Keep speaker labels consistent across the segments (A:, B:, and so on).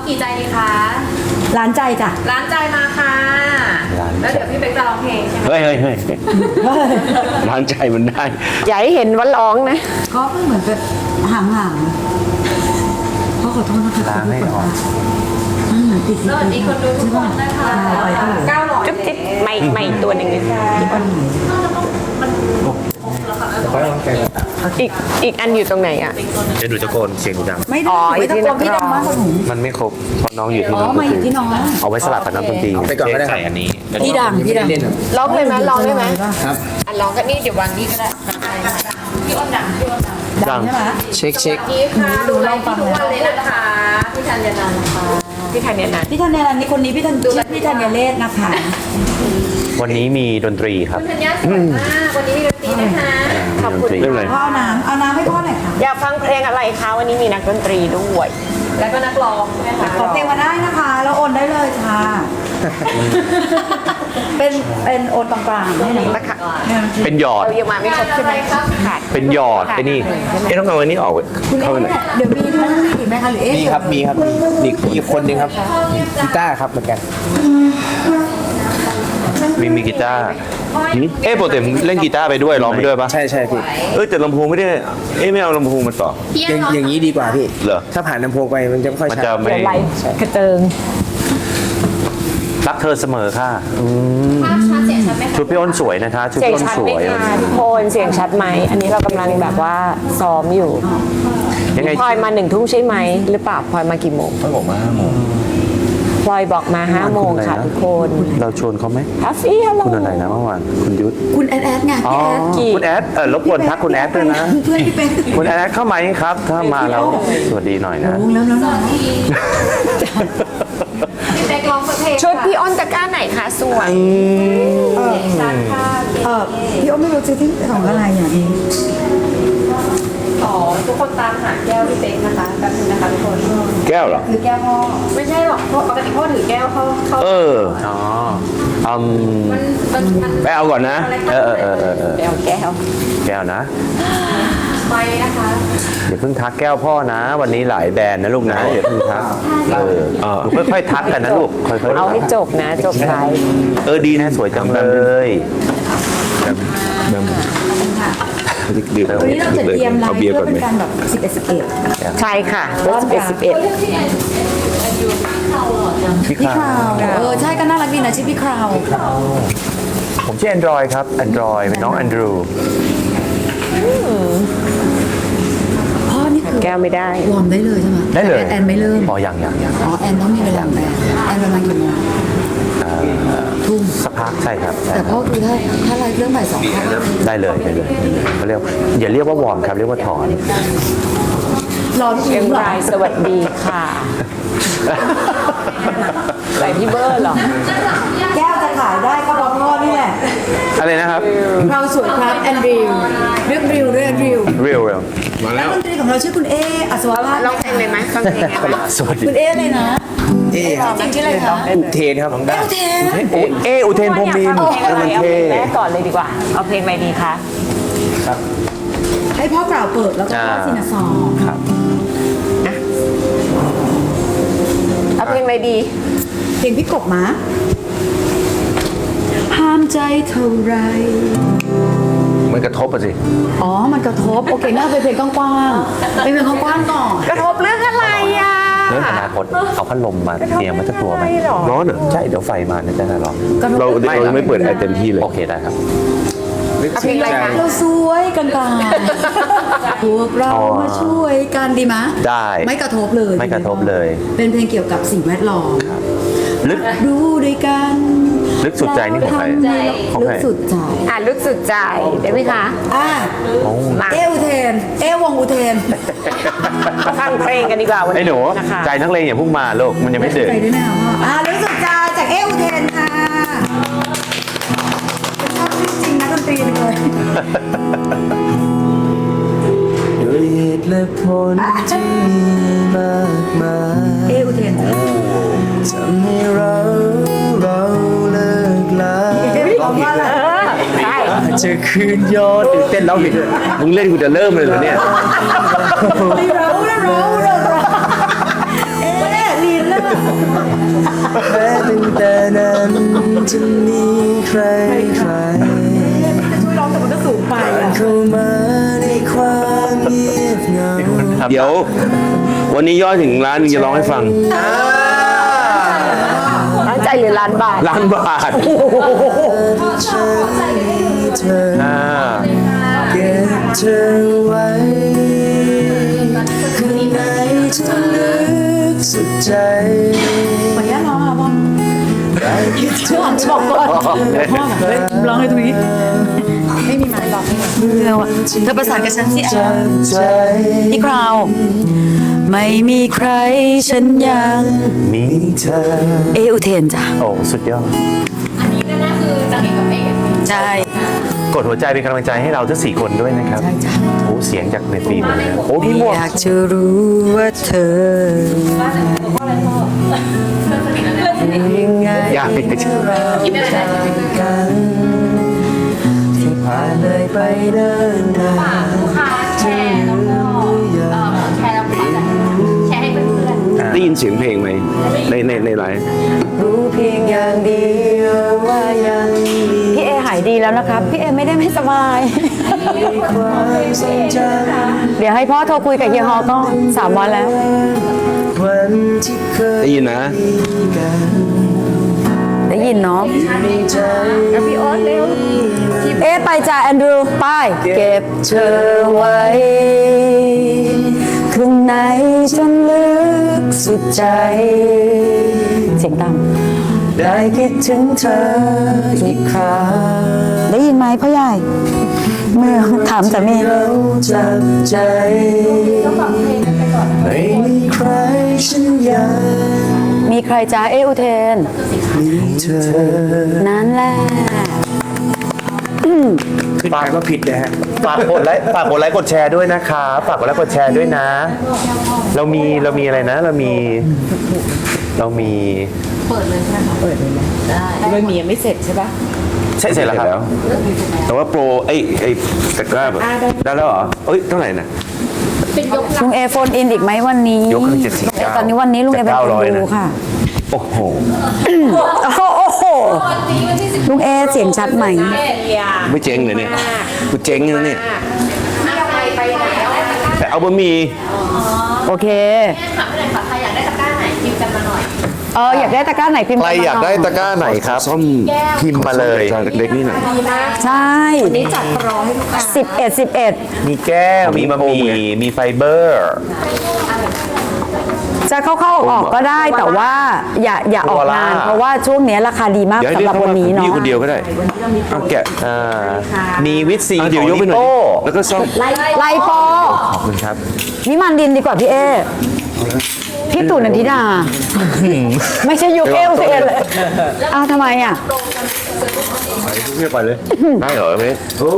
A: กี่ใจดีคะ
B: ร้านใจจ้ะ
A: ร้านใจมาค่ะแล้วเดี๋ยวพี่เป๊กจะร้องเพลงใช่ไหม
C: เฮ้ยร้านใจมันได้
D: อย่าให้เห็นว่าร้องนะ
B: ก็เพิ่งเหมือนเป็นห่างๆเขาขอโทษนะคะ
C: ล้างให้ออก
B: เหมือนติด
A: สวัสดีคนดูทุกคนนะคะ900
D: จุ๊บจิ๊บไม่ตัวหนึ่งเลยอีกอันอยู่ตรงไหนอ่ะ
C: เดี๋ยวดูตะโกนเสียงดัง
B: ไม่
D: อ๋
B: ได้
D: อ
B: ไม่ตะโกนพี่ดังมากกว่าหนู
C: มันไม่ครบเพราะน้องอยู่ที่
B: อ๋อมาอยู่ที่น้อง
C: เอาไว้สลับกับน้ำดนตรี
E: ไปก่อนก็ได้ครับ
C: ใส่อันนี้
B: พี่ดัง
D: ร้องเลยไหมร้องได้ไหม
E: ครับ
D: อันร้องก็นี่เดี๋ยววางนี่ก็ได้
A: พี่อ้นดังพี่อ้นดัง
B: ดังใช่ไหม
E: เช็ค
A: นี่ค่ะดูไลฟ์ทุกวันเลยนะคะพี่ธัญญานันท์นะคะ
D: พี่ทันเนี่ยนะ
B: พี่ธัญญาลันนี่คนนี้พี่ธัญเลศนะคะ
C: วันนี้มีดนตรีครับ
A: คุณธัญญาสวยมากวันนี้มีดนตรีนะคะ
D: ขอบคุณ
C: เรื่องอะไร
B: พ่อเอาน้ำให้พ่อหน่อยค่ะ
D: อยากฟังเพลงอะไรคะวันนี้มีนักดนตรีด้วย
A: แล้วก็นักร้องใช่ไหมคะ
B: ขอเพลงมาได้นะคะแล้วโอนได้เลยค่ะ เป็นโอนตรงกลางให้หน่อย
D: นะคะ
C: เป็นหยอด
D: เรายังมาไม่ครบใช่ไหมขาด
C: เป็นหยอดไอ้นี่ต้องเอาอันนี้ออก
B: คุณ
C: เข้าไปไหน
B: เดี๋ยวมีด้วยอีกไหมคะหรือเอ๊ะ
E: มีครับอีกคนนึงครับกีตาร์ครับเหมือนกัน
C: มีกีตาร์ปกติเล่นกีตาร์ไปด้วยร้องไปด้วยปะ
E: ใช่พี่
C: แต่ลำโพงไม่ได้ไม่เอาลำโพงมาต่อ
E: อย่างนี้ดีกว่าพี่
C: เหรอ
E: ถ้าผ่านลำโพงไปมันจะไม่ค่อย
C: มัน
E: ชัด
C: จะไม่
D: เดี๋ยวไลฟ์กระเจิง
C: รักเธอเสมอค่ะ
A: ภาพชัดเสียงชัดไหมคะ
C: ชุดพี่อ้นสวยนะคะชุด
D: เสียง
C: พี่อ้น
D: ชัด
C: ส
D: ไหม
C: วย
D: คะทุกคนเสียงชัดไหมอันนี้เรากำลังแบบว่าซ้อมอยู่
C: ยังไง
D: พลอยมา1 ทุ่มใช่ไหมหรือเปล่าพลอยมากี่โมง
C: ต้องบอกมา5 โมง
D: พลอยบอกมา5 โมงค่ะทุกคน
C: เราชวนเขาไหม
D: ฮัฟฟี่ฮัลโหล
C: คุณอะไรนะเมื่อวานคุณยุทธ
B: คุณแอดไง
C: อ๋อ
B: พี่แอด
C: คุณแอดรบกวนทักคุณแอดด้วยนะ
B: เพื่อนพี่เป็น
C: คุณแอดเข้ามาไหมครับ ถ้ามาแล้วสวัสดีหน่อยนะ
B: วงแล้ว
A: พี่เป๊กร้องเพลง
D: ชุดพี่อ้อนตะกร้าไหนคะสวย
A: ชัดค่ะ
B: พี่อ้อไม่รู้จะที่ของอะไรอย่างนี้
A: อ๋อทุกคนตามหาแก้วพี่เป๊กนะคะแป๊บนึงนะคะทุกคน
C: แก้วเหรอ
A: ถือแก้วพ่อไม่ใช่หรอกปกติพ่อถือแก้วเข้า
C: อ๋ออืม
A: มัน
C: ไปเอาก่อนนะ เออ
D: แก้ว
C: แก้วนะ
A: ไปนะคะ
C: อย่าเพิ่งทักแก้วพ่อนะ วันนี้หลายแบรนด์นะลูกนะอย่าเพิ่งทักหนูค่อยๆทักกันนะลูกค่อยๆ
D: เอาให้จบนะจบไลฟ์
C: ดีนะสวยจังเลย
B: วันนี้เราจะเตรียมไลฟ์เพื่อเป็นการแบบ11
D: ใช่ค่ะรถ11
C: พี่
B: พี่
C: ข้า
B: คราวใช่ก็น่ารักดีนะชื่อพี่คราว
C: ผมชื่อ Android ครับ Android เป็นน้อง Andrew
B: พ่อนี่คือ
D: แก้วไม่ได้
B: วอร์มได้เลยใช่ไหม
C: ได้เลย
B: แอนไม่เริ่ม
C: อ๋อยัง
B: อ๋อแอนต้องมีเวลาแอนประมาณกี่โมงทุ่ม
C: สักพักใช่ครับใช่
B: แต่
C: ค
B: พ่
C: รั
B: อบ คือถ้าไลฟ์เรื่องบ่าย 2ก็
C: ได้เลยเขาเรียกอย่าเรียกว่าวอร์มครับเรียกว่าถอน
B: รอทุก
D: เชียง
B: เหรอ
D: รายสวัสดีค่ะใส่พี่เบอร์เหรอ
B: แก้วจะขายได้ก็เพราะพ่อนี่แหละ
C: อะไรนะครับ
B: เราสวยครับแอนดริวเรื่องริวด้วยแอนดริว
C: เรียว
B: นักดนตรีของเราชื่อคุณเออัศวะ
D: ร้องเพลงเลยไหมฟังเพลงไหม
C: สวัสดี
B: คุณเอเลยนะ จริงชื่ออะไรคะ
E: เทนครับ
B: เอลเทน
C: อุเทนพรหมบิน
D: เอาเพลงอะไรเอาเพล
C: เท่
D: งแรกก่อนเลยดีกว่า เอาเพลงอะไรดีคะ
B: ให้พ่อกล่าวเปิดแล้วก็พ่อซินาซอง
C: ครับ
D: เอาเพลงอะไรดี
B: เพลงพี่กบมาห้ามใจเท่าไร
C: มันกระทบอ่ะสิ
B: อ๋อ มันกระทบ โอเคน่าเป็นเพลงกว้างๆเป็นเพลงกว้างๆก่อน
D: กระทบเรื่องอะไรอ่ะ
C: เรื่องอนาคตเอาพัดลมมาเตรียมมาสักตัวไหม
D: ไม่หรอ
C: ร้อนเหรอใช่เดี๋ยวไฟมาเนี่ยจะได้ร้อน
B: เรา
C: เราไม่เปิดไอเต็มที่เลยโอเคได้ครับ
D: เอาเพลงอะไรคะ
B: เราสวยกลางๆพวกเรามาช่วยกันดีมะ
C: ได้
B: ไม่กระทบเลย
C: ไม่กระทบเลย
B: เป็นเพลงเกี่ยวกับสิ่งแวดล้อม
C: ลึก
B: ดูด้วยกัน
C: ลึกสุดใจนี่ของใคร ของ
B: ลึ
C: ใคร
B: กสุดใจ
D: ลึกสุดใจได้ไหมคะ
B: มาเออุเทน วงอุเทน
D: มาฟังเพลงกันดีกว่าวัน
C: ไอ้
D: นี้
C: หนู
D: นะคะ
C: ใจนักเลงอย่าเพุ่งมาลูกมันยังไม่ดึก
B: ใจด้วยนะพ่อลึกสุดใจจากเออุเทนค่ะชอบจริงๆนะดนตรีเลย
E: ด้วยเหตุและผลที่มีมากมาย
B: เออุเทน
E: ทำให้เราเลิกลา
B: ร้องว่าอะไร
D: ใช่
E: จะคืนยอดตื่นเต้นร้องผิดด้วย
C: มึงเล่นกูจะเริ่มเลยเหรอเนี่ย
B: เราเอ๊ะลีนเริ่ม
E: จะมีใครใคร
B: ช่วยร้องแต่มันก็สูงไปอ่ะ
E: เข้ามาในความเงียบเหงา
F: เดี๋ยว วันนี้ยอดถึงล้านหนึงจะร้องให้ฟัง
D: ตั้งใจหรือล้านบาท
F: ล้านบาท
E: ฉันมีเธอ
C: ๆ
E: เก็บเธอไว้ข้างในจะลึกสุดใจ
B: ขออนุญาตร้องอ่ะบอม
E: ได้คิดถึงเธอ
B: บอกก่อนพ่อแบบเฮ้ยร้องให้ตรงนี้ ไม่มีไม้บอกเธอประสานกับฉันสิ
E: จากใจ
B: พี่คราว ไม่มีใครฉันยัง
C: มี
E: เธอ
B: อุเทนจ้ะ
C: โอ้สุดยอด
A: อันนี้น่าคือจะเห็นกับเอก
B: ใช่
C: กดหัวใจเป็นกำลังใจให้เราทั้ง4 คนด้วยนะครับ
B: ใช่จ้ะ
C: โอ้เสียงจากในฟิล์มเลยนะโอ้พี่หมวก
B: อยากจะรู้ว่าเธอ
E: ยังไง
C: อยากจะ
A: คิดได้เลย
E: กันที่ผ่านเลยไปเดินทาง
A: ลูกค้าแชร์แล้วก็แชร์แล้วก็แชร์ให้เพื่อน
F: ได้ยินเสียงเพลงไหมในไลฟ์
E: รู้เพียงอย่างเดียวว่ายังมี
D: พี่เอหายดีแล้วนะครับ พี่เอไม่ได้ไม่สบาย
E: ความทรงจ
D: เดี๋ยวให้พ่อโทรคุยกับเฮียฮอก่อน3 วันแล้ว
E: ำวันที่เคย
F: ได้ยินนะ
E: มีกัน
D: ได้ยินเนาะ
E: ในใจ
D: พี่โอ๊ตเร็วเอ๊ะไปจ้ะแอนดรูไปเก็บเธอไว้ข้างในจนลึกสุดใจ เสียงต่ำ
E: ได้คิดถึงเธออีกครั้ง
D: ได้ยินไหมพ่อใหญ่เมื่อถามสามี
E: เราจับใจไม่มีใครฉันยัง
D: มีใครจ้าเออุเทน
E: มีเธอ
D: นั่นแหละ
F: ขึ้นไปก็ผิดนะฮะ
C: ฝากกดไลค์กดแชร์ด้วยนะคะฝากกดไลค์กดแชร์ด้วยนะ เรามีอะไรนะ เรามี
B: ไม่มียังไม่เสร็จใช่ปะ
C: ใช่เสร็จแล้วครับ
F: แต่ว่าโปรไอ้ตะกร้าแบบได้แล้วเหรอ เอ้ย เท่าไหร่นะ
D: ลุงเอโฟนอินอีกไหมวันนี้
C: ยกขึ้น79
D: ตอนนี้วันนี้ลุงเอเป็นคน
C: 900
D: ดู
C: นะ
D: ค่ะ
C: โอ้โห
D: โอ้โหลุงเอเสียงชัดไหม
F: ไม่เจ๊งเลยเนี่ยกูเจ๊งแล้วเนี่ย
A: ไปไหนแล้ว
F: แต่เอาบะหมี่
D: โอเค
A: ถามไปเลยค่ะใครอยากได้ตะกร้าไหนพิมพ์กันมาหน่อย
D: อยากได้ตะกร้าไหนพิมพ์
C: ใครอยากได้ตะกร้าไหนครับ
F: ซ่อม
C: พิมพ์มาเลย
F: จานเล็กๆนี่หน่อย
D: ใช่นี่จัดโปรให้ลูกค้า11
C: มีแก้ว มีบะหมี่มีไฟเบอร์
D: จะเข้าๆออกก็ได้แต่ว่าอย่าออกนาน เพราะว่าช่วงนี้ราคาดีมาก
F: เดี๋ยวให้
D: สำ
F: เรี
D: ห
F: ย
D: รั
F: ก
D: บ
F: เขา
D: วัน
F: มา
D: นี้เนาะ
F: พี่คนเดียวก็ได้เอาแกะ
C: มีวิตซี
F: อ่ะ
C: ข
F: เดี๋ย
C: อ
F: ว
C: ง
F: ยกไป
C: นิ
F: หน่อย
C: โก้
F: แล้วก็ซ่อม
D: ไลโป
C: ขอบคุณครับ
D: วิมานดินดีกว่าพี่เอพี่ตู่นันทิดา ไม่ใช่ยุคเอลเอเลยอ้าวทำไมอ่ะ
F: เรียกไปเลย ได้เหรอเมส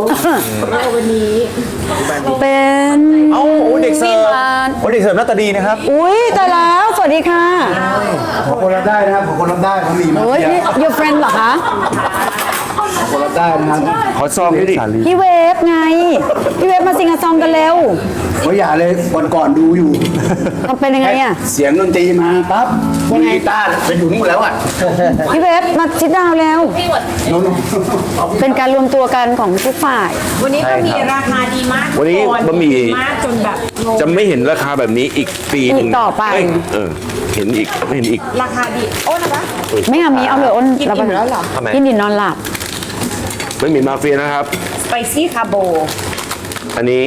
D: เป็น
C: เอ้าโอ้เด็กเสิร์ฟ
D: วิมาน
C: โอ้เด็กเสิร์ฟหน้าตาดีนะครับ
D: อุ้ยตายแล้วสวัสดีค่ะ
G: ผมคนรับได้นะครับผมคนรับได้ผมมีมา
D: โอ้ยนี่ your friend เหรอคะ
G: คนรับได้นะครับ
F: ขอซองด้วยดิ
D: พี่เวฟไง พี่เวฟมาซิงกับซองกันเร็ว
G: เพราะอย่าเลยวันก่อนดูอยู่
D: มันเป็นยังไงอ่ะ
G: เสียงดนตรีมาปั๊บคนกีตาร์ไปถึงหมดแล้วอ่ะ
D: พี่เวฟมาชิดดาวแล้ว
G: โน้น
D: เป็นการรวมตัวกันของทุกฝ่าย
A: วันนี้ก็มีราคาดีมาก
F: วันนี้บะหมี่
A: มากจนแบบงง
F: จะไม่เห็นราคาแบบนี้อีกปีหนึ่ง
D: อีกต่อไป
F: เอ้ยเห็นอีกไม่เห็นอีก
A: ราคาดีโอ้นะคะ
D: ไม่เอามีเอาเลยอ้น
A: กินอิ่มแล้วเหรอ
C: ทำไม
D: กินดินนอนหลับ
F: ไม่มีมาเฟียนะครับ
A: สไปซี่คาโบ
F: อันนี้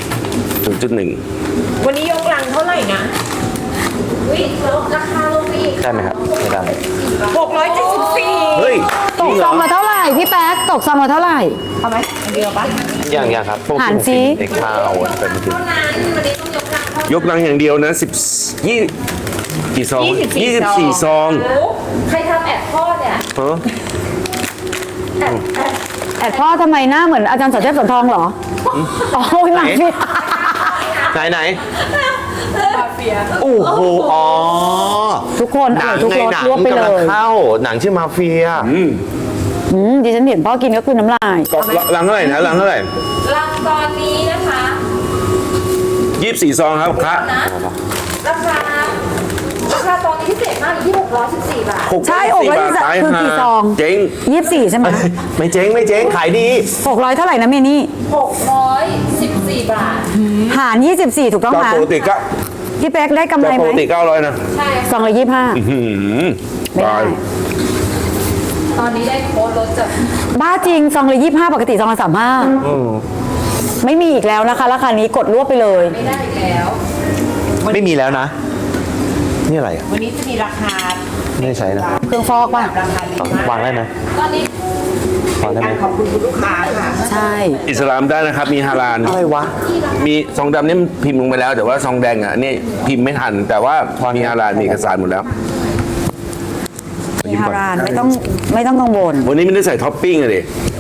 F: 0.1
A: วันนี้ยกลังเท่าไหร่นะวิลดราคาลงไปอีก
C: ได้ไหมครับไม่ได้
A: 674
F: เฮ้ย
D: ตกซองมาเท่าไหร่พี่แป๊กตกซองมาเท่าไหร่
A: เอาไหมอันเดียวปะ
C: ยังครับพวก
D: หารสิ
C: เด็กข้าวเป็นจริง
A: เท่านั้นวันนี้ต้องยกลังเท่าไหร่
F: ยกลังอย่างเดียวนะกี่ซอง 24 ซอง
A: โอ้ใครทำแอดทอดเนี่ย
F: เออ
D: แอดพ่อทำไมหน้าเหมือนอาจารย์สอนเทพสอนทองเหรออ๋อหนักพี่
C: ไหนโอ้โหอ๋อ
D: ทุกคน
C: หนัง
D: ทุก
C: ไง
D: รส
C: หนัง
D: รวบไป
C: กำ
D: เล
C: ลัง
D: ย
C: เข้าหนังชื่อมาเฟีย
D: ดิฉันเห็นพ่อกินก็คือน้ำลาย
F: ลังเท่าไหร่นะลังเท่าไหร่
A: ลังตอนนี้นะคะ
F: 24 ซองครับครับ
A: นะราคาตอนนี้พิเศษมากอยู่ที่614 บาท
D: ใช่อกละ
F: ตาย
D: คือ
F: ห่า
D: กี่ซอง
F: เจ๊ง
D: 24 ใช่ไหม
C: ไม่เจ๊งไม่เจ๊งขายดี
D: 600 เท่าไหร่นะเมนี่
A: 614 บาท
D: หาร 24 ถูกต้อง
F: ก็
D: ไหม
F: ปกติก็
D: พี่เป๊กได้กำไร
F: ป
D: ไหม
F: กติ900นะ
A: ใช่
D: ซองละ25
F: หืม
D: ไม่ได้
F: ตาย
A: ตอนนี้ได้โค้ดลดจาก
D: บ้าจริงซองละ25 ปกติซองละ35ไม่มีอีกแล้วนะคะราคานี้กดรวบไปเลย
A: ไม่ได้อีกแล้ว
C: ไม่มีแล้วนะ นี่อะไรอ่ะ
A: วันนี้จะมีราคา
C: ไม่ได้ใช้นะ
D: เครื่องฟอกป่ะ
A: ราคาดีมาก
C: วางได้ไหม
A: ตอนนี้
C: วางได้ไหม
A: ขอบคุณคุณลูกค้าค่ะ
D: ใช่
F: อิสลามได้นะครับ มีฮาลาล
C: อะไรวะ
F: มีซองดำนี่พิมพ์ลงไปแล้ว แต่ว่าซองแดงอ่ะนี่พิมพ์ไม่ทัน แต่ว่ามีฮาลาลมีเอกสารหมดแล้ว
D: มีฮารานไม่ต้องกังวล
F: วันนี้ไม่ได้ใส่ท็อปปิ้งเลย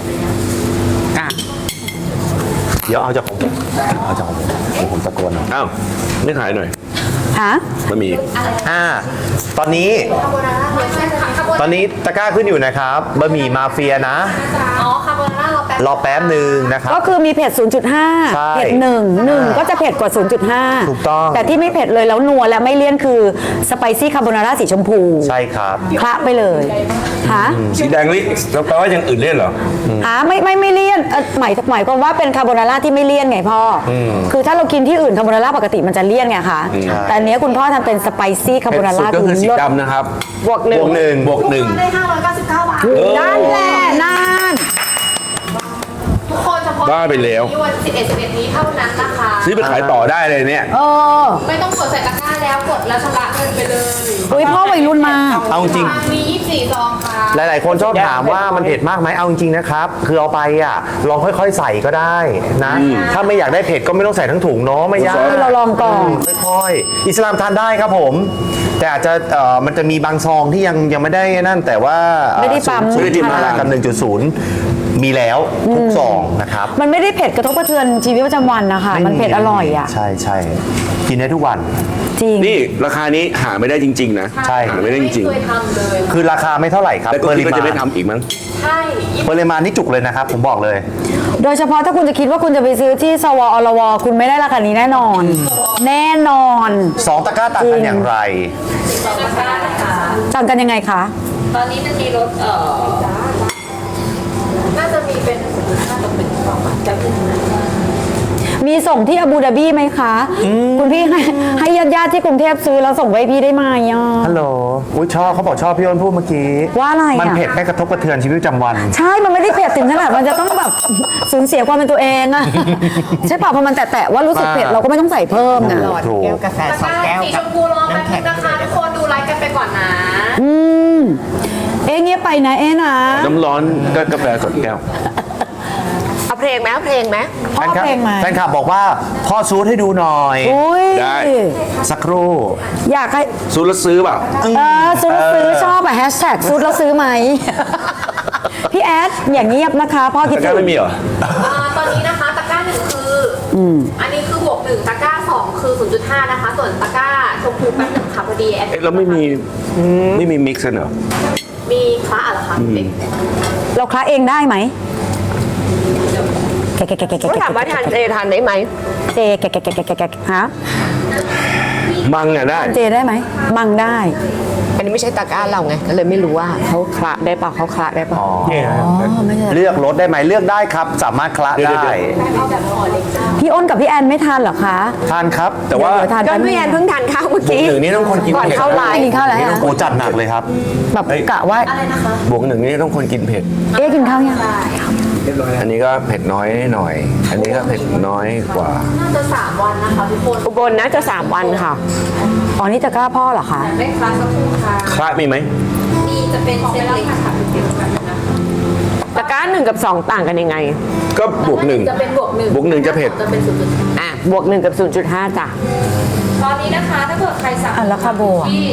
C: เดี๋ยวเอาจากของผมเอาจากของผมเดี๋ยวผมตะโกนเอา
F: อ้าวไม่ขายหน่อย
D: ฮะ
F: มันมี
C: ตอนนี้
A: คาโบนาร่าเวอร์ชันค่ะคาโบ
C: ตอนนี้ตะกร้าขึ้นอยู่นะครับบะหมี่มาเฟียนะ
A: อ๋อคาโบนาร่าร
C: อแป๊บหนึ่งนะครับ
D: ก็คือมีเผ็ด
C: ใช่
D: 0.5 เผ็ด1ก็จะเผ็ดกว่า 0.5
C: ถูกต้อง
D: แต่ที่ไม่เผ็ดเลยแล้วนัวและไม่เลี่ยนคือสไปซี่คาโบนาร่าสีชมพู
C: ใช่ครับ
D: คละไปเลยฮะ
F: สีแดงนี่แล้วแปลว่าอย่างอื่นเล่นเหรอ
D: ไม่เลี่ยนหมายความว่าเป็นคาโบนาร่าที่ไม่เลี่ยนไงพ่ออคือถ้าเรากินที่อื่นคาโบนาร่าปกติมันจะเลี่ยนไงคะแต่อันเนี้ยคุณพ่อทำเป็นสไปซี่คาโบ
F: เผ็ด
D: นา
F: สุด
D: ร่า
F: ก็คือสี
D: เลิศ
F: ดำนะครับ
D: บวกหนึ่ง
C: บวกหนึ่ง
F: บวกหนึ่ง
A: ได้599 บาท
D: นั่นแหละนั่น
A: ทุกคนเฉพาะ
F: บ้าไปแล้ว
A: ที่วัน11นี้เท่านั้นนะคะ
F: ซื้อไปขายต่อได้เลยเนี่ย
D: เออ
A: ไม่ต้องกดใส่ตะกร้าแล้วกดแล้วชำระเงินไปเลย
D: อุ้ยพ่อวัยรุ่นมาก
C: เอาจริง
A: มี24 ซองค่ะ
C: หลายๆ คนชอบถามว่ามันเผ็ดมากไหมเอาจริงๆนะครับ คือเอาไปอ่ะลองค่อยๆ ใส่ก็ได้นะ ถ้าไม่อยากได้เผ็ดก็ไม่ต้องใส่ทั้งถุงเนาะไม่ยาก
D: เราลองก่อน
C: ค่อยๆ อิสลามทานได้ครับผม แต่อาจจะมันจะมีบางซองที่ยังไม่ได้นั่นแต่ว่า
D: ไม่ได้ปั๊ม
C: ไม่ได้ปั๊มกับ 1.0 มีแล้วทุกซองนะครับ
D: มันไม่ได้เผ็ดกระทบกระเทือนชีวิตประจำวันนะคะ มันเผ็ดอร่อยอ่ะ
C: ใช่ใช่กินได้ทุกวัน
D: จริง
F: นี่ราคานี้หาไม่ได้จริง ๆ นะ
C: ใช่
F: หาไม่ได้จริง
A: ไม่เคยทำเลย
C: คือราคาไม่เท่าไหร่ครับ
F: แล้วก็คิดว่าจะไม่ทำอีกมั้ง
A: ใช่
C: ปริมาณนี่จุกเลยนะครับ ผมบอกเลย
D: โดยเฉพาะถ้าคุณจะคิดว่าคุณจะไปซื้อที่สวอลวคุณไม่ได้ราคานี้แน่นอน แน่นอน
C: 2 ตะกร้าต่างกันอย่างไร
A: ตะกร้านะคะ
D: ต่างกันยังไงคะ
A: ตอนนี้มันมีรถน่าจะมีเป็นน่าจะเป็น2 บาทจะเป็น
D: มีส่งที่อาบูดาบีไหมคะ คุณพี่ให้ญาติๆที่กรุงเทพซื้อแล้วส่งไปให้พี่ได้ไหมอ่ะ
C: ฮัลโหลอุ้ยชอบเขาบอกชอบพี่อ้นพูดเมื่อกี้
D: ว่าอะไรอ่ะ
C: มันเผ็ดไม่กระทบกระเทือนชีวิตประจำวัน
D: ใช่ มันไม่ได้เผ็ดถึงขนาดมันจะต้องแบบสูญเสียความเป็นตัวเองอะใช่ป่ะพอมันแตะๆว่ารู้สึกเผ็ดเราก็ไม่ต้องใส่เพิ่มนะ
C: ถูก
A: ตะกร้าสีชมพูรอแป๊บนึงนะคะทุกคนดูไลฟ์กันไปก่อนนะ
D: เอ๊ะเงียบไปนะเอ๊ะนะ
F: น้ำร้อนก็กาแฟสดแก้ว
A: เอาเพลงไหมเอาเพลงไหม
D: พ่อเพลงไหม
C: แฟนคลับบอกว่าพ่อซูดให้ดูหน่อย
D: อุ้ย
F: ได้
C: สักครู่
D: อยากให้
F: ซื้อแล้วซื้อเปล่า
D: ซื้อแล้วซื้อชอบอะแฮชแท็กซื้อแล้วซื้อไหม พี่แอดอย่างเงียบนะคะพ่อคิด
F: ตะก
D: ถึ
F: ร้าง ไม่มีเหรอ
A: ตอนนี้นะคะตะกร้า1คืออันนี้คือบวก1ตะกร้า2คือ 0.5 นะคะ ส่วนตะกร้าชมพูแป๊บหนึ่งค่ะพอดีแอด
F: เอ๊ะแล้วไม่มีมิกซ์กันเหรอ
A: มีคละเหรอคะเด็ก
D: เราคลาเองได้ไหมแกะ
H: ก็ถามว่าทานเจทานได้ไหม
D: เจแกะฮะ
F: มังอ่ะได้
D: เจได้ไหมมังได้
H: อันนี้ไม่ใช่ตะกร้าเราไง ก็เลยไม่รู้ว่าเขาคละได้เปล่าเขาคละได้เปล่า
C: เลือกรสได้ไหมเลือกได้ครับ สามารถคละ
F: เดี๋ยว
C: ได้
D: พี่อ้นกับพี่แอนไม่ทานเหรอคะ
C: ทานครับ
F: แต่ว่า
D: เดี๋ยวทาน
H: ก็
D: แป๊บนึ
H: พี่
D: ง
H: แอนเพิ่งทานข้าวเมื่อกี้
F: บวกหนึ่งนี่ต้องคนกิน
H: ก่อน
F: เผ็ด
H: เข้าไล
D: ไม่
H: ฟ์
D: กินข้าวแล้ว
C: นี่
D: ฮะ
C: ต้องโอ้จัดหนักเลยครับ
D: แบบกะว่า
F: บวกหนึ่งนี่ต้องคนกินเผ็ด
D: เอ๊ะกินข้าวยัง
F: อันนี้ก็เผ็ดน้อยหน่อย อันนี้ก็เผ็ดน้อยกว่า
A: น่าจะ3 วันนะคะทุกคน
H: อุบลนะจะ3 วันค่ะ
D: อ๋อนี่จะกล้าพ่อเหรอคะ
A: ไม่คลาสักครู่ค่ะ
F: คละมีไหม
A: มีจะเป็นเซตเล็กค่ะเป็นเซตแบบนั้นนะคะ
H: ตะกร้า1 กับ 2 ต่างกันยังไง
F: ก็บวกหนึ่ง
A: จะเป็นบวก1
F: บวกหนึ่งจะเผ็ด
A: จะเป็น 0.5
H: อ่ะ บวก 1 กับ 0.5 จ้ะ
A: ตอนนี้นะคะถ้าเกิดใครสั่ง
D: แล้วคาโบอ่ะ
A: ที่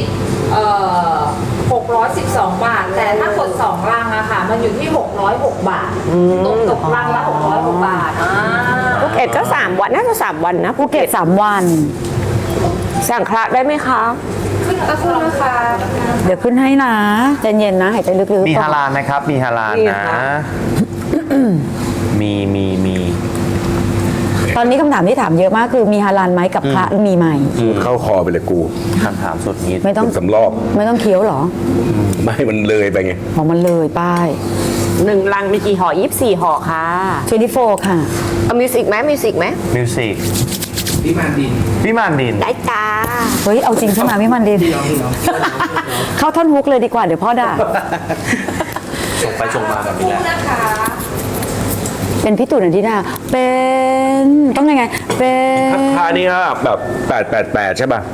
A: 612 บาท แต่ถ้ากด2รังอะค่ะ มันอยู่ที่606 บาทตกรังละ606 บาท
H: ภูเก็ตก็3 วันน่าจะ3 วันนะภู
D: เก็
H: เก็
D: บ
H: ต
D: 3 วัน
H: สั่งคละได้ไหมคะ
A: ขึ้นก็ขึ้นนะคะ
D: เดี๋ยวขึ้นให้นะใจเย็นนะหายใจลึกๆ
C: มี
D: ก่อ
C: ฮาน ลาลนะครับ มีฮาลาล
H: มี
C: นะ
H: ค่ะ
C: มี
D: ตอนนี้คำถามที่ถามเยอะมากคือมีฮาลาลไหมกับพระมีไหม
F: เข้าคอไปเลยกู
C: คำถามสุดนี้
D: ไม่ต้อง
F: เป็นสำรอบ
D: ไม่ต้องเคี้ยวเหรอ
F: ไม่มันเลยไปไง
D: ของมันเลยป้าย
H: 1 ลังมีกี่ห่อ24 ห่อค่ะ
D: 24ค่ะ
H: เอามิวสิกไหมมิวสิกไหม
C: มิวสิกพี่มานดิน
H: ได้จ้า
D: เฮ้ยเอาจริงใช่ไหมพี่มันดินเข้าท่อนฮุกเลยดีกว่าเดี๋ยวพ่อด่า
C: ส่งไปส่งมาแบบนี้แหละ
A: นะคะ
D: เป็นพี่ตู่นันทิดาเป็นต้องยังไงเป็น
F: ราคานี้ก็แบบ888ใช่ป่ะ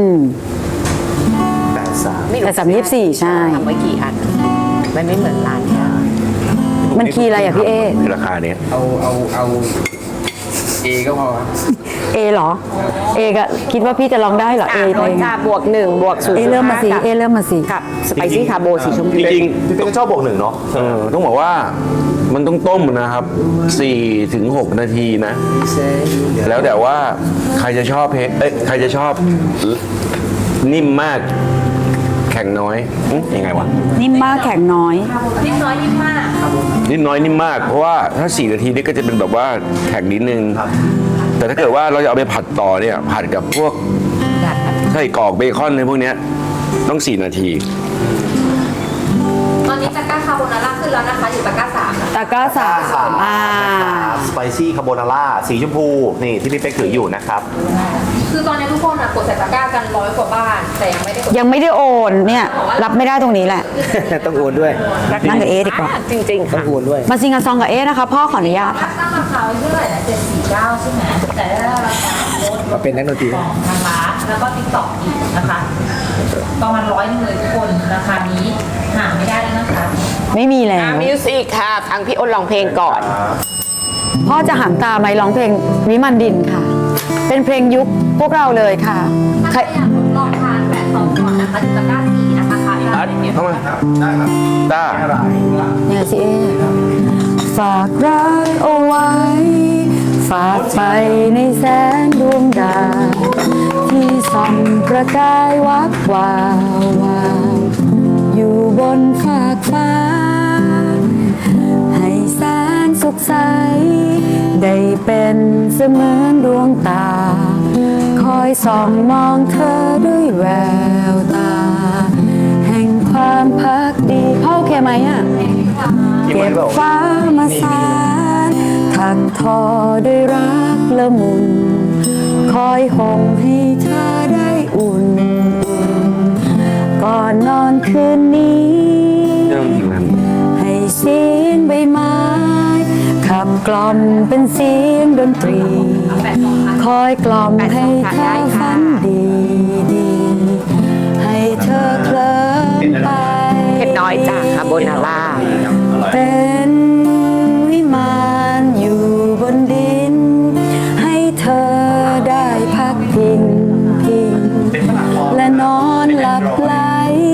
D: แต่324ใช่
H: ทำไว้กี่อันมันไม่เหมือนร้านเนี่ย
D: มันคีย์อะไรอ่ะพี่เอ
F: ราคาเนี้ย
G: เอาเอก็พอครับ
D: เอเหรอเอก็คิดว่าพี่จะลองได้เหรอเอไป
H: โดน
D: ไง
H: จ้าบวก1บวก0
D: เอเริ่มมาสิเอเริ่มมาสิ
H: กับสไปซี่คาโบสีชมพู
F: จริง
C: พี่เป็นก็ชอบบวกหนึ่งเนาะ
F: ๆต้องบอกว่ามันต้องต้มนะครับ4 ถึง 6 นาทีนะ แล้วแต่ว่าใครจะชอบใครจะชอบนิ่มมาก แข็งน้อยยังไงวะ
D: นิ่มมากแข็งน้อย
A: นิดน้อยนิดมาก
F: นิ่มน้อยนิ่มมาก เพราะว่าถ้า4 นาทีนี่ก็จะเป็นแบบว่าแข็งนิดนึง แต่ถ้าเกิดว่าเราจะเอาไปผัดต่อเนี่ยผัดกับพวกไส้กรอกเบคอนในพวกเนี้ยต้อง4 นาที
A: ตอนนี้ตะกร้าคาโบนาร่าขึ้นแล้วนะคะ อยู่ตะกร้า3นะคะ
D: ตะกร้าสาม
C: สไปซี่คาโบนาร่าสีชมพูนี่ที่พี่เป๊กถืออยู่นะครับ
A: คือตอนนี้ทุกคนกดใส่ตะกร้ากัน100 กว่าบ้าน แต่ยังไม่ได้กด
D: ยังไม่ได้โอนเนี่ยรับไม่ได้ตรงนี้แหละ
G: ต้องโอนด้วย
D: นั่งกับเอดีกว่า
H: จริงๆ
G: ต้อ
H: ค่ะ
G: งโอนด้วย
D: มาซิงกับซองกับเอนะคะพ่อขออนุญาต
A: ตั้งราคาไว้เท่าไหร่นะ749 ใช่ไหมแต่ได้ราคาลด
G: มาเป็นนักดนตรี
A: ของทางร้านแล้วก็ติ๊กต็อกอีกนะคะ ประมาณ100 นึงเลยทุกคน ราคานี้หาไม่ได้แล้วนะคะ
D: ไม่มีแล้ว
H: มิวสิกค่ะฟังพี่อ้นร้องเพลงก่อน
D: พ่อจะหันตาไหมร้องเพลงวิมานดินค่ะ เป็นเพลงยุคพวกเราเลยค่ะ
A: ถ้า
D: ใคร
A: ใครอยากทดลองทานแบบซองก่อนนะคะอยู่ตะกร้า4นะคะค่ะ
F: อัดเข้ามาต้า
D: เนี่ยสิเอฝากรักเอาไว้ ฝากไปในแสงดวงดาวที่ส่องประกายวับวาววาวอยู่บนฟากฟ้า ให้แสงสุขใส ได้เป็นเสมือนดวงตา คอยส่องมองเธอด้วยแววตา แห่งความพักดีพ่อโอเคไหมอ่ะ เก็บฟ้ามาสานถักทอด้วยรักละมุน คอยห่มให้เธอได้อุ่น ก่อนนอนคืนนี้
F: เรื่องจริงมัน
D: ให้เสียงใบไม้ขับกล่อมเป็นเสียงดนตรี คอยกล่อมให้เธอฝันดีดีให้เธอเคลิ้มไป
H: เผ็ดน้อยจ้ะคาโบนาร่า
D: เป็นวิมานอยู่บนดิน ให้เธอได้พักพิงและนอนหลับไหล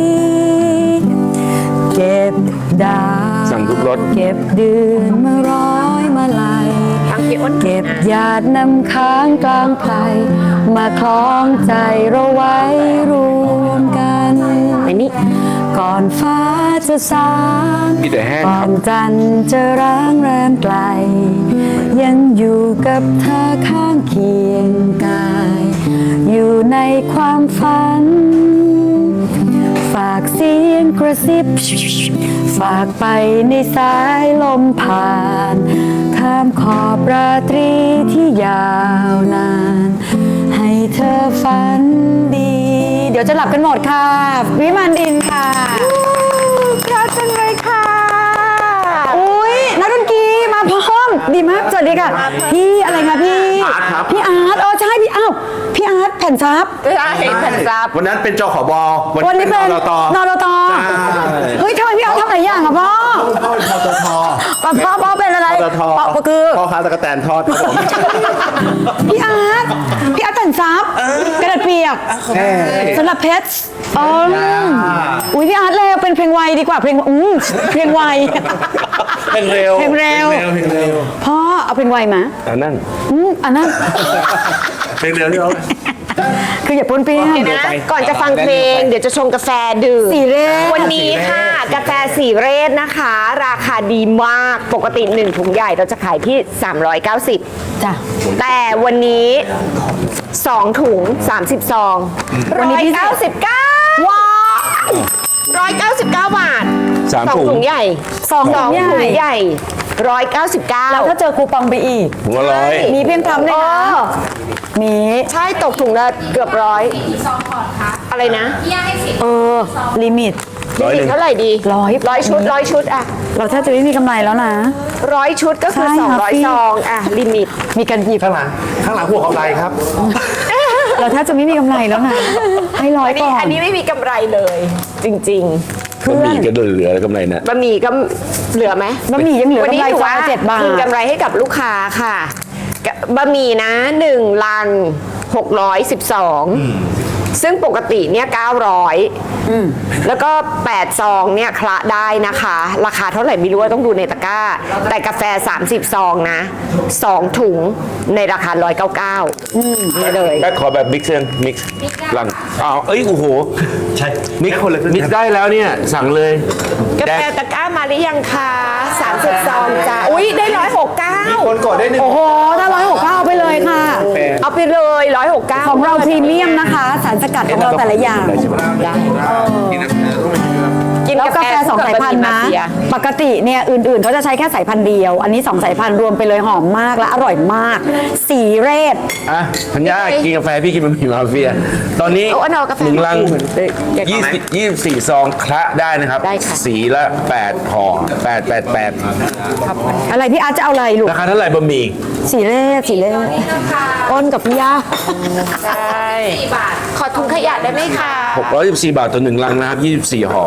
D: เก็บดาว
F: สั่งทุกรส
D: เก็บเดือนมาร้อยมาลัย
H: ฟังพี่อ้น
D: เก็บหยาดน้ำค้างกลางไพรมาคล้องใจเราไว้รวมกัน
H: ไอ้นี่
D: ก่อนฟ้าจะสาง
F: มีแต่แห้ง
D: ก่อนจันทร์จะร้างแรมไกล ยังอยู่กับเธอข้างเคียงกาย อยู่ในความฝัน ฝากเสียงกระซิบ ฝากไปในสายลมผ่าน ข้ามขอบราตรีที่ยาวนาน ให้เธอฝันดี เดี๋ยวจะหลับกันหมดค่ะ วิมานดินค่ะเพราะจังเลยค่ะ อุ้ยนักดนตรีมาพร้อมดีมากสวัสดีค่ะ พี่อะไรคะพี่ พี่อาร์ตใช่พี่อ้าวพี่อาร์ตแผ่นซับ
H: ใช่แผ่นซับ
C: วันนั้นเป็นจขบ
D: วันนี้เป็น
C: นต
D: นรตเฮ้ยทำไมพี่อาร์ตทำหลายอย่างอะพ่อ
C: พ่อเป็นปตท
D: พ่อเป็นอะไร
C: ปตท
D: พ่อคือ
C: พ่อค้าตะกแตนทอดครับผม
D: พี่อาร์ตแผ่นซับกระดาษเปียกสำหรับเพชรอ๋ออุ้ยพี่อาร์ตเลยเป็นเพลงไวดีกว่าเพลงเพลงไว
C: เพลงเร็ว
D: เพลงเร็ว
C: เพลงเร็ว
D: พ่อเอาเพลงไวมา
F: อันนั้น
D: อันนั้น
C: เพลงเร็วที่เขา
D: คืออย่าปนเปี้ยน
H: เดี๋ยวนะก่อนจะฟังเพลง เดี๋ยวจะชงกาแฟดื่ม
D: สีเรศ
H: วันนี้ค่ะ กาแฟสีเรศนะคะ ราคาดีมากปกติ1ถุงใหญ่เราจะขายที่ 390
D: จ้ะ
H: แต่วันนี้ 2 ถุง 30 ซอง
D: วันนี้พิเศษ
H: 199ว้าว199 บาท
F: สาม
H: สอง
F: ถุง
H: ถุงใหญ่
D: สองถุงใหญ่
H: ถุงใหญ่199
D: แล้วถ้าเจอคูปองไปอีก
F: ถุงละร้อย
D: มีเพียงพร้ำเลยนะมี
H: ใช่ตกถุงละเกือบร้อยอะไรนะ
A: พี่ย่าให้สิบ
D: ลิมิต
F: ร้อยหนึ่ง
H: เท่าไหร่ดี
D: ร้อย
H: ชุดอะ
D: เราแทบจะไม่มีกำไรแล้วนะ
H: 100 ชุดก็คือ
D: ใช่ค่ะพี่
H: 200 ซองอะลิมิต
D: มีการหยิบ
C: ข้างหลังหัวเขาไรครับ
D: เราแทบจะไม่มีกำไรแล้วนะให้ร้อยก่อน
H: อันนี้ไม่มีกำไรเลย จริง
F: บะหมี่ก็เหลือแล้วกำไรนะ
H: ๆบะหมี่ก็เหลือไหม
D: บะหมี่ยังเหลือกำไร
H: วันนี้ถือ
D: ซอง
H: ว่า
D: ละ7 บาท
H: คืนกำไรให้กับลูกค้าค่ะบะหมี่นะ1 ลัง 612 ซึ่งปกติเนี่ย900แล้วก็ 8 ซองเนี่ยคละได้นะคะ ราคาเท่าไหร่ไม่รู้ว่าต้องดูในตะกร้า แต่กาแฟ 30 ซองนะ 2 ถุงในราคา 199นี่เลย
F: แม่ขอแบบมิกซ์เซนมิกซ์หลังอ้าวเอ้ยโอ้โห
C: ใช่
F: มิกซ์คนละมิกซ์ได้แล้วเนี่ย สั่งเลย
H: กาแฟตะกร้ามาหรือยังคะ30 ซองจ้ะอุ้ยได้169
C: คนกดได้1
D: โอ้โหถ้า169เอาไปเลยค่ะ
H: เอาไปเลย169
D: ของเราพรีเมียมนะคะ สารสกัดของเราแต่ละอย่าง
H: ได้กิน
D: แล้วกาแฟ2 สายพันธุ์นะ ปกติเนี่ยอื่นๆเขาจะใช้แค่สายพันธุ์เดียว อันนี้ 2 สายพันธุ์รวมไปเลยหอมมากและอร่อยมาก สีเรศ
F: อ่ะธัญญากินกาแฟพี่กินบะหมี่มาเฟีย ตอนนี้
H: เอาอันเอากาแฟ
F: 1 ลัง
H: แกะก่อนไหม
F: 24 ซองคละได้นะครับ
H: ได้ค่ะ
F: สีละ8ห่อ888
D: อะไรพี่อาร์ตจะเอาอะไรลูก
F: ราคาเท่าไหร่บะหมี่
D: สีเรศสีเรศอ้นกับพี่ยา
H: ใช่ขอถุงขยะได้ไหมคะ
F: 614 บาทต่อ1 ลังนะครับ 24 ห่อ